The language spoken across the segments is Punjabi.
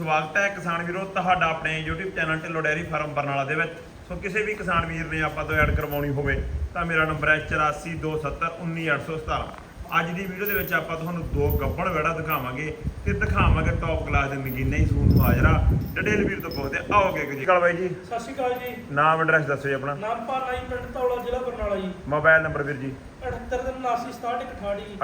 ਸਵਾਗਤ ਹੈ ਕਿਸਾਨ ਵੀਰੋ ਤੁਹਾਡਾ ਆਪਣੇ YouTube channel Dhillon dairy farm Barnala ਦੇ ਵਿੱਚ। ਸੋ ਕਿਸੇ ਵੀ ਕਿਸਾਨ ਵੀਰ ਨੇ ਆਪਾਂ ਤੋਂ ਐਡ ਕਰਵਾਉਣੀ ਹੋਵੇ ਤਾਂ ਮੇਰਾ ਨੰਬਰ ਹੈ 8427191817। ਅੱਜ ਦੀ ਵੀਡੀਓ ਦੇ ਵਿੱਚ ਆਪਾਂ ਤੁਹਾਨੂੰ ਦੋ ਗੱਬਣ ਵੜਾ ਦਿਖਾਵਾਂਗੇ ਤੇ ਦਿਖਾਵਾਂਗੇ ਟੌਪ ਕਲਾਸ ਦੇ ਨਗੀਨੇ ਹੀ ਸੂਨ ਨੂੰ ਹਾਜ਼ਰਾ। ਡਿਟੇਲ ਵੀਰ ਤੋਂ ਪੁੱਛਦੇ ਆਓਗੇ ਜੀ। ਕਾਲ ਬਾਈ ਜੀ, ਸਤਿ ਸ਼੍ਰੀ ਅਕਾਲ ਜੀ। ਨਾਮ ਐਡਰੈਸ ਦੱਸੋ ਜੀ ਆਪਣਾ। ਨਾਮ ਪਾਲਾ ਜੀ, ਪਿੰਡ ਧੌਲਾ, ਜ਼ਿਲ੍ਹਾ ਬਰਨਾਲਾ ਜੀ। ਮੋਬਾਈਲ ਨੰਬਰ ਵੀਰ ਜੀ 7879676168 ਜੀ।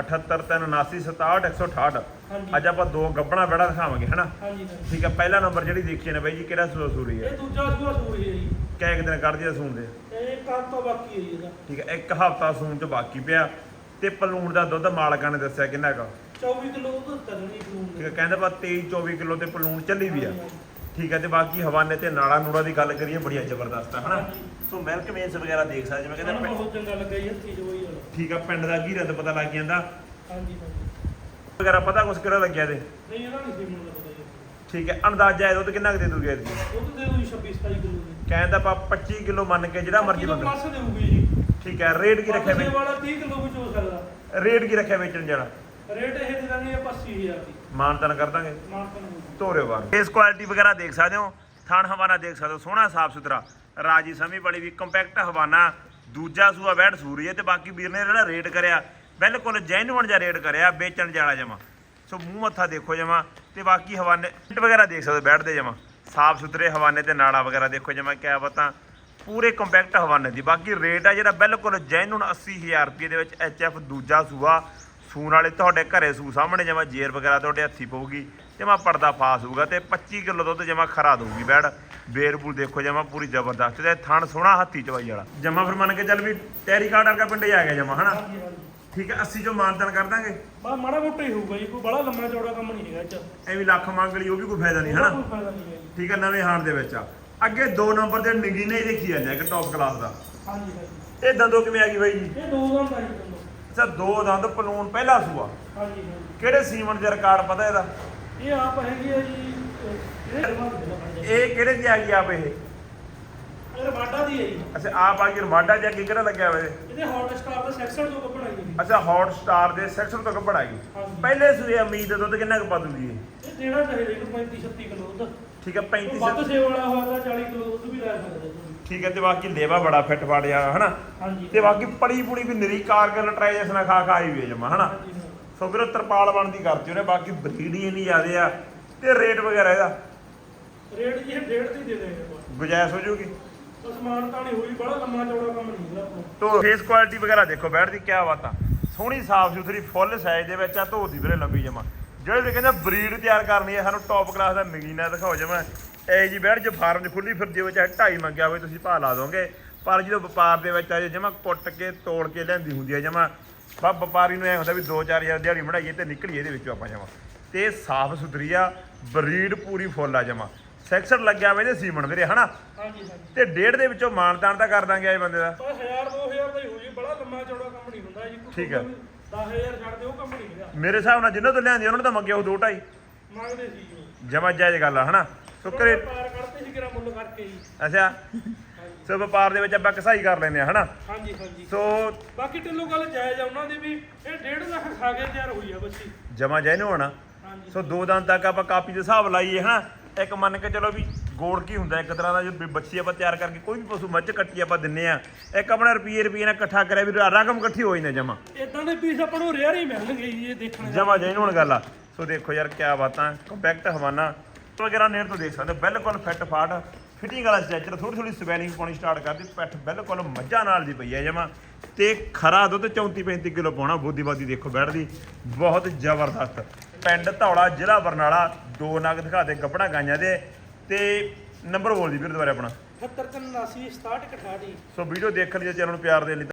7839676168। ਹਾਂਜੀ ਅੱਜ ਆਪਾਂ ਦੋ ਗੱਬਣਾ ਵੜਾ ਦਿਖਾਵਾਂਗੇ ਹਨਾ। ਹਾਂਜੀ ਠੀਕ ਹੈ, ਪਹਿਲਾ ਨੰਬਰ ਜਿਹੜੀ ਦੇਖੀ ਨੇ ਬਾਈ ਜੀ ਕਿਹੜਾ ਸੂਰੀ ਹੈ? ਇਹ ਦੂਜਾ ਸੂਆ ਸੂਰੀ ਹੈ ਜੀ। ਕਿੰਨੇ ਦਿਨ ਕੱਢਦੀ ਆ ਸੂਣ ਦੇ? ਇਹ ਕੱਲ ਤੋਂ ਬਾਕੀ ਹੈ ਜੀ ਇਹਦਾ। ਠੀਕ ਹੈ, ਇੱਕ ਹਫ਼ਤਾ ਸੂਣ ਚ ਬਾਕੀ ਪਿਆ ਤੇ ਪਲੂਣ ਦਾ ਦੁੱਧ ਮਾਲਕਾਂ ਨੇ ਦੱਸਿਆ ਕਿੰਨਾ ਹੈਗਾ? 24 ਕਿਲੋ ਦੁੱਧ ਕਰਨੀ ਠੀਕ ਪਲੂਣ ਹੈ, ਕਹਿੰਦੇ ਬਾ 23-24 ਕਿਲੋ ਤੇ ਪਲੂਣ ਚੱਲੀ ਵੀ ਆ। ਹਾਂਜੀ। ਠੀਕ ਹੈ, ਤੇ ਬਾਕੀ ਹਵਾਨੇ ਤੇ ਨਾੜਾ ਨੂੜਾ ਦੀ ਗੱਲ ਕਰੀਏ ਬੜੀਆ ਜ਼ਬਰਦਸਤ ਆ ਹਨਾ। ਹਾਂਜੀ। ਸੋ ਮਿਲਕ ਮੇਸ ਵਗੈਰਾ ਦੇਖ ਸਕਦੇ ਜਿਵੇਂ ਸਾਨੂੰ ਕਹਿੰਦੇ ਬਹੁਤ ਚੰਗਾ ਲੱਗਾ ਜੀ ਹੱਥੀ ਜੋਈ ਵਾਲਾ। ਠੀਕ ਆ, ਪਿੰਡ ਦਾ ਘੀਰਾ ਤੇ ਪਤਾ ਲੱਗ ਜਾਂਦਾ ਹਾਂਜੀ ਹਾਂਜੀ। ਵਗੈਰਾ ਪਤਾ ਕੁਛ ਕਿਹੜਾ ਲੱਗਿਆ ਤੇ? ਨਹੀਂ ਇਹਦਾ ਨਹੀਂ ਸੀ ਮੈਨੂੰ ਲੱਗਦਾ ਜੀ। ਠੀਕ ਹੈ, ਅੰਦਾਜ਼ਾ ਇਹਦਾ ਤੇ ਕਿੰਨਾ ਕੁ ਦੇ ਦੂਗੇ ਇਹਦੀ? ਦੁੱਧ ਦੇ ਦੂਜੀ 26-27 ਕਿਲੋ ਦੀ। ਕਹਿੰਦਾ ਆਪਾਂ 25 ਕਿਲੋ ਮੰਨ ਕੇ ਜਿਹੜਾ ਮਰਜ਼ੀ ਬੰਦਾ। ਪਾਸੇ ਦੇਊਗੀ ਜੀ। ਠੀਕ ਹੈ, ਰੇਟ ਕੀ ਰੱਖਿਆ ਪਾਸੇ ਵੇ? ਵਾਲਾ 30 ਕਿਲੋ ਵਿੱਚ ਹੋ ਸਕਦਾ। ਰੇਟ ਕੀ ਰੱਖਿਆ ਵੇਚਣ ਜਾਣਾ? ਰੇਟ ਇਹ ਦੇ ਦਾਂਗੇ 85000 ਦੀ। ਮਾਨਤਨ ਕਰ ਦਾਂਗੇ ਮਾਨਤਨ ਧੋਰੇ ਬਾਰ। ਇਸ ਕੁਆਲਿਟੀ ਵਗੈਰਾ ਦੇਖ ਸਕਦੇ ਹੋ, ਥਣ ਹਵਾਨਾ ਦੇਖ ਸਕਦੇ ਹੋ, ਸੋਹਣਾ ਸਾਫ ਸੁਥਰਾ ਰਾਜੀ ਸਮੀ ਬੜੀ ਵੀ ਕੰਪੈਕਟ ਹਵਾਨਾ। ਦੂਜਾ ਸੂਆ ਵੈੜ ਸੂਰੀ ਹੈ ਤੇ ਬਾਕੀ ਵੀਰ ਨੇ ਜਿਹੜਾ ਰੇਟ ਕਰਿਆ ਬਿਲਕੁਲ ਜੈਨੂਅਨ ਜਿਹਾ ਰੇਟ ਕਰਿਆ, ਵੇਚਣ ਜਾਲਾ ਜਮਾ। ਸੋ ਮੂੰਹ ਮੱਥਾ ਦੇਖੋ ਜਮਾ ਤੇ ਬਾਕੀ ਹਵਾਨੇ ਵਗੈਰਾ ਦੇਖ ਸਕਦੇ ਬੈਠਦੇ ਜਮਾ ਸਾਫ ਸੁਥਰੇ ਹਵਾਨੇ ਤੇ ਨਾੜਾ ਵਗੈਰਾ ਦੇਖੋ ਜਮਾ ਕਿਆ ਬਤਾ ਪੂਰੇ ਕੰਪੈਕਟ ਹਵਾਨੇ ਦੀ। ਬਾਕੀ ਰੇਟ ਆ ਜਿਹੜਾ ਬਿਲਕੁਲ ਜੈਨੂਅਨ 80000 ਰੁਪਏ ਦੇ ਵਿੱਚ HF ਦੂਜਾ ਸੂਆ ਸੂਣ ਵਾਲੇ ਤੁਹਾਡੇ ਘਰੇ ਸੂ ਸਾਹਮਣੇ ਜਮਾ ਜੇਰ ਵਗੈਰਾ ਤੁਹਾਡੇ ਹੱਥੀ ਪਊਗੀ ਜਮਾ ਪਰਦਾ ਫਾਸ ਹੋਊਗਾ ਤੇ 25 ਕਿਲੋ ਦੁੱਧ ਜਮਾ ਖਰਾ ਦਊਗੀ ਬੈੜ। ਬੇਰਬੂਲ ਦੇਖੋ ਜਮਾ ਪੂਰੀ ਜ਼ਬਰਦਸਤ ਤੇ ਥਣ ਸੋਹਣਾ ਹੱਥੀ ਚਵਾਈ ਵਾਲਾ ਜਮਾ। ਫਿਰ ਮੰਨ ਕੇ ਚੱਲ ਵੀ ਟੈਰੀ ਕਾਰਡ ਵਰਗਾ ਪਿੰਡੇ ਆ ਗਿਆ ਜਮਾ ਹਨਾ। ਹਾਂਜੀ ਹਾਂਜੀ। ਠੀਕ ਹੈ, 80 ਚੋਂ ਮਾਨਤਨ ਕਰ ਦਾਂਗੇ। ਬਾ ਮਾੜਾ ਮੋਟਾ ਹੀ ਹੋਊਗਾ ਜੀ, ਕੋਈ ਬੜਾ ਲੰਮਾ ਚੌੜਾ ਕੰਮ ਨਹੀਂ ਹੈਗਾ ਇਹ ਚ। ਐਵੇਂ ਲੱਖ ਮੰਗ ਲਈ ਉਹ ਵੀ ਕੋਈ ਫਾਇਦਾ ਨਹੀਂ ਉਹਦਾ ਹਨਾ। ਕੋਈ ਫਾਇਦਾ ਨਹੀਂ ਹੈ ਜੀ। ਠੀਕ ਹੈ, ਨਵੇਂ ਹਾਣ ਦੇ ਵਿੱਚ ਆ। ਅੱਗੇ 2 ਨੰਬਰ ਦੇ ਨਗੀਨੇ ਹੀ ਦੇਖੀ ਜਾਂਦੇ ਇੱਕ ਟੌਪ ਕਲਾਸ ਦਾ। ਹਾਂਜੀ ਹਾਂਜੀ। ਇਹ ਦੰਦੋਂ ਕਿਵੇਂ ਆ ਗਈ ਬਾਈ ਜੀ? ਇਹ ਦੋ ਦੰਦ ਆ ਜੀ ਦੋਨੋਂ। ਅੱਛਾ, 2 ਦੰਦ ਪਲੂਣ ਪਹਿਲਾ ਸੂਆ। ਹਾਂਜੀ ਹਾਂਜੀ। ਕਿਹੜੇ ਸੀਮਨ ਦੇ ਰਿਕਾਰਡ ਪਤਾ ਇਹਦਾ? ਇਹ ਆਪ ਹੈਗੀ ਹੈ ਜੀ ਇਹ ਕਿਹੜੇ ਦੀ ਆ ਗਈ ਆਪ ਇਹ? ਇਹ ਵਾਡਾ ਦੀ ਹੈ ਜੀ। ਅੱਛਾ, ਆਪ ਆ ਗਈ ਰਵਾਡਾ ਜਾਂ ਅੱਗੇ ਕਿਹੜਾ ਲੱਗਿਆ ਹੋਇਆ? ਇਹਦੇ ਹੌਟ ਸਟਾਰ ਦਾ ਸੈਕਸ਼ਨ ਤੋਂ ਕੱਪੜਾ ਜੀ। ਅੱਛਾ, ਹੌਟ ਸਟਾਰ ਦੇ ਸੈਕਸ਼ਨ ਤੋਂ ਕੱਪੜ ਆ ਗਈ। ਹਾਂਜੀ। ਪਹਿਲੇ ਸੂਏ ਉਮੀਦ ਦੁੱਧ ਕਿੰਨਾ ਕੁ ਪਾ ਦੂਗੀ ਇਹ? ਇਹ ਦੇਣਾ ਚਾਹੀਦਾ ਇਹਨੂੰ 35-36 ਕਿਲੋ ਦੁੱਧ। ਠੀਕ ਹੈ, 35 ਵੱਧ ਸੇਵ ਵਾਲਾ ਹੋਇਆ ਤਾਂ 40 ਕਿਲੋ ਦੁੱਧ ਵੀ ਲੈ ਸਕਦਾ ਜੀ। ਠੀਕ ਹੈ, ਤੇ ਬਾਕੀ ਲੇਵਾ ਬੜਾ ਫਿੱਟ ਫਾੜ ਜਾ ਹਨਾ। ਹਾਂਜੀ। ਤੇ ਬਾਕੀ ਪੜੀ ਪੁੜੀ ਵੀ ਨਿਰੀ ਕਾਰਗਲ ਟਰਾਈਜੈਸ਼ਨ ਖਾ ਖਾ ਹੀ ਵੇ ਜਮਾ ਹਨਾ। ਹਾਂਜੀ ਹਾਂ। ਸੋ ਫਿਰ ਤਰਪਾਲ ਬਣਦੀ ਕਰਤੀ ਉਹਨੇ। ਬਾਕੀ ਬਰੀਡ ਹੀ ਨਹੀਂ ਜ਼ਿਆਦੇ ਆ ਤੇ ਰੇਟ ਵਗੈਰਾ ਇਹਦਾ ਰੇਟ ਜੀ ਇਹ 1.5 ਦੀ ਦੇ ਦੇਣਗੇ ਬਸ। ਗੁਜਾਇਸ਼ ਹੋ ਜੂਗੀ। ਸਮਾਨ ਤਾਂ ਨਹੀਂ ਹੋਈ, ਬੜਾ ਲੰਮਾ ਚੌੜਾ ਕੰਮ ਨਹੀਂ ਹੈਗਾ ਆਪਣਾ। ਤੋ ਫੇਸ ਕੁਆਲਿਟੀ ਵਗੈਰਾ ਦੇਖੋ ਬੈਠ ਦੀ ਕਿਆ ਬਾਤ ਆ। ਸੋਹਣੀ ਸਾਫ ਸੁਥਰੀ ਫੁੱਲ ਸਾਈਜ਼ ਦੇ ਵਿੱਚ ਆ, ਧੋਦੀ ਵੀਰੇ ਲੰਬੀ ਜਮਾ। ਜਿਹੜੇ ਵੀ ਕਹਿੰਦੇ ਬਰੀਡ ਤਿਆਰ ਕਰਨੀ ਹੈ ਸਾਨੂੰ ਟੌਪ ਕਲਾਸ ਦਾ ਨਗੀਨਾ ਦਿਖਾਓ ਜਮਾ। ਇਹ ਜੀ ਬੈਠ ਜੇ ਫਾਰਮ 'ਚ ਖੁੱਲੀ ਫਿਰਦੀ ਹੋਵੇ ਚਾਹੇ 2.5 ਮੰਗਿਆ ਹੋਵੇ ਤੁਸੀਂ ਭਾਅ ਲਾ ਦੋਗੇ, ਪਰ ਜਦੋਂ ਵਪਾਰ ਦੇ ਵਿੱਚ ਆ ਜੇ ਜਮਾ ਕੁੱਟ ਕੇ ਤੋੜ ਕੇ ਲੈਂਦੀ ਹੁੰਦੀ ਹੈ ਜਮਾ। ਬਸ ਵਪਾਰੀ ਨੂੰ ਐ ਹੁੰਦਾ ਵੀ 2-4000 ਦਿਹਾੜੀ ਬਣਾਈਏ ਤੇ ਨਿਕਲੀਏ ਇਹਦੇ ਵਿੱਚੋਂ ਆਪਾਂ ਜਮਾ। ਤੇ ਸਾਫ ਸੁਥਰੀ ਆ, ਬਰੀਡ ਪੂਰੀ ਫੁੱਲ ਆ ਜਮਾ। ਸੈਕਸ਼ਨ ਲੱਗਿਆ ਵੇ ਤੇ ਸੀਮਨ ਵੀਰੇ ਹਨਾ। ਹਾਂਜੀ ਹਾਂਜੀ। ਤੇ 1.5 ਦੇ ਵਿੱਚੋਂ ਮਾਨਤਾਨ ਤਾਂ ਕਰ ਦਾਂਗੇ ਇਹ ਬੰਦੇ ਦਾ। ਪਰ 1000-2000 ਦਾ ਹੀ ਹੋ ਜੀ, ਬੜਾ ਲੰਮਾ ਚੌੜਾ ਕੰਮ ਨਹੀਂ ਹੁੰਦਾ ਜੀ। ਠੀਕ ਹੈ। 10000 ਛੱਡ ਦੇ ਉਹ ਕੰਮ ਨਹੀਂ ਹੈਗਾ। ਮੇਰੇ ਹਿਸਾਬ ਨਾਲ ਜਿੰਨਾਂ ਤੋਂ ਲਿਆਂਦੀ ਉਹਨਾਂ ਨੇ ਤਾਂ ਮੰਗਿਆ ਉਹ 2-2.5 ਮੰਗਦੇ ਸੀ ਜੀ। ਜਮਾ ਜਾਇਜ਼ ਗੱਲ ਆ ਹਨਾ। ਸੋ ਘਰੇ ਪਾਰ ਕੱਢਦੇ ਸੀ ਕਿਰਾ ਮੁੱਲ ਕਰਕੇ ਜੀ। ਅੱਛਾ, ਸੋ ਵਪਾਰ ਦੇ ਵਿੱਚ ਆਪਾਂ ਕਸਾਈ ਕਰ ਲੈਂਦੇ ਆ ਹਨਾ। ਹਾਂਜੀ ਹਾਂਜੀ। ਸੋ ਬਾਕੀ ਢਿੱਲੋਂ ਗੱਲ ਜਾਇਜ਼ ਆ ਉਹਨਾਂ ਦੀ ਵੀ। ਇਹ 1.5 ਲੱਖ ਖਾ ਕੇ ਤਿਆਰ ਹੋਈ ਆ ਬੱਚੀ। ਜਮਾ ਜਾਇਜ਼ ਨੂੰ ਹੋਣਾ। ਹਾਂਜੀ। ਸੋ 2 ਦਿਨ ਤੱਕ ਆਪਾਂ ਕਾਪੀ ਦੇ ਹਿਸਾਬ ਲਾਈਏ ਹਨਾ। ਇੱਕ ਮੰਨ ਕੇ ਚਲੋ ਵੀ ਗੋੜ ਕੀ ਹੁੰਦਾ ਇੱਕ ਤਰ੍ਹਾਂ ਦਾ, ਜੋ ਬੱਚੀ ਆਪਾਂ ਤਿਆਰ ਕਰਕੇ ਕੋਈ ਵੀ ਪਸ਼ੂ ਮੱਝ ਕੱਟੀ ਆਪਾਂ ਦਿੰਨੇ ਆ, ਇੱਕ ਆਪਣਾ ਰੁਪਏ ਨਾਲ ਇਕੱਠਾ ਕਰਿਆ ਵੀ ਰਕਮ ਇਕੱਠੀ ਹੋ ਜਾਂਦੀ ਜਮਾ। ਇਦਾਂ ਦੇ ਪੀਸ ਆਪਾਂ ਨੂੰ ਰੇਅਰ ਹੀ ਮਿਲਣਗੇ ਜੀ ਇਹ ਦੇਖਣ। ਜਮਾ ਜਾਇਜ਼ ਹੁਣ ਗੱਲ ਆ। ਸੋ ਦੇਖੋ ਯਾਰ ਕਿਆ ਬਾਤਾਂ, ਕੰਪੈਕਟ ਹਵਾਨਾ ਵਗੈਰਾ ਨੇੜ ਤੋਂ ਦੇਖ ਸਕਦੇ ਹੋ, ਬਿਲਕੁਲ ਫਿੱਟ ਫਾਟ ਫਿਟਿੰਗ ਵਾਲਾ ਸਟ੍ਰੈਚਰ। ਥੋੜੀ ਸਵੈਲਿੰਗ ਪਾਉਣੀ ਸਟਾਰਟ ਕਰਦੀ, ਪਿੱਠ ਬਿਲਕੁਲ ਮੱਝਾਂ ਨਾਲ ਦੀ ਪਈ ਹੈ ਜਮਾ। ਤੇ ਖਰਾ ਦੁੱਧ 34-35 ਕਿਲੋ ਪਾਉਣਾ। ਬੋਦੀਬਾਦੀ ਦੇਖੋ ਬੈਠਦੀ ਬਹੁਤ ਜ਼ਬਰਦਸਤ। ਪਿੰਡ ਧੌਲਾ, ਜ਼ਿਲ੍ਹਾ ਬਰਨਾਲਾ। 2 ਨਗ ਦਿਖਾ ਦੇ ਗੱਪਣਾ ਗਾਈਆਂ ਦੇ। ਤੇ ਨੰਬਰ ਬੋਲ ਦੀ ਵੀਰ ਦੁਬਾਰਾ ਆਪਣਾ। 7379676168। ਸੋ ਵੀਡੀਓ ਦੇਖਣ ਲਈ ਚੈਨਲ ਨੂੰ ਪਿਆਰ ਦੇਣ ਲਈ